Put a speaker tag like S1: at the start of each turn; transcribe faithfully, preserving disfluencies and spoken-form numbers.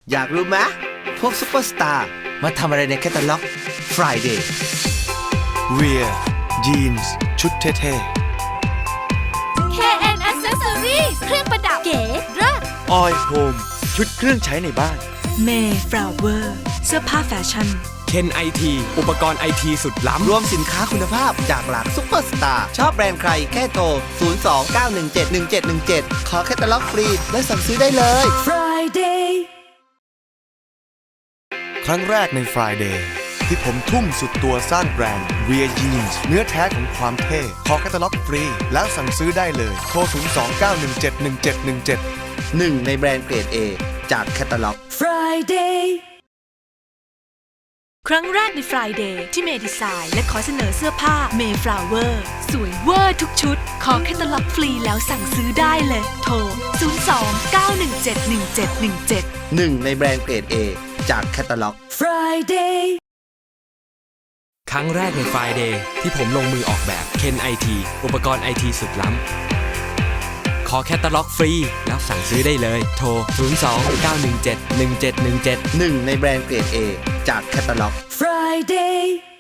S1: อยากรู้ไหมพวกซุปเปอร์สตาร์มาทำอะไรในแคตตาล็อก Friday
S2: เวียยีนส์ชุดเท่
S3: เค เอ็น Accessories เครื่องประดับเก๋เลิศ
S2: ๆออยโฮมชุดเครื่องใช้ในบ้าน
S4: เมย์ฟลาวเวอร์เสื้อผ้าแฟชั่น
S5: เคนไอทีอุปกรณ์ไอทีสุดล้ำ
S1: รวมสินค้าคุณภาพจากหลากซุปเปอร์สตาร์ชอบแบรนด์ใครแค่โทร ศูนย์ สอง เก้า หนึ่ง เจ็ด หนึ่ง เจ็ด หนึ่ง เจ็ด ขอแคตตาล็อกฟรีและสั่งซื้อได้เลย
S4: Friday
S2: ครั้งแรกใน Friday ที่ผมทุ่มสุดตัวสร้างแบรนด์ Wear Jeans เนื้อแท้ของความเท่ ขอแคตตาล็อกฟรี แล้วสั่งซื้อได้เลย โทร ศูนย์ สอง เก้า หนึ่ง เจ็ด หนึ่ง เจ็ด หนึ่ง เจ็ด
S1: หนึ่ง ในแบรนด์เกรด A จากแคตตาล็อก
S4: Friday ครั้งแรกใน Friday ที่เมย์ดีไซน์และขอเสนอเสื้อผ้าเมย์ฟลาวเวอร์สวยเวอร์ทุกชุด ขอแคตตาล็อกฟรีแล้วสั่งซื้อได้เลย โทร ศูนย์ สอง เก้า หนึ่ง เจ็ด หนึ่ง เจ็ด หนึ่ง เจ็ด
S1: หนึ่ง ในแบรนด์เกรด A จากแคตตาล็อก
S4: Friday
S5: ครั้งแรกใน Friday ที่ผมลงมือออกแบบเคนไอทีอุปกรณ์ไอทีสุดล้ำ ขอแคตตาล็อกฟรีแล้วสั่งซื้อได้เลย โทร ศูนย์ สอง เก้า หนึ่ง เจ็ด หนึ่ง เจ็ด หนึ่ง เจ็ด
S1: หนึ่ง ในแบรนด์เกรด A จากแคตตาล็อก
S4: Friday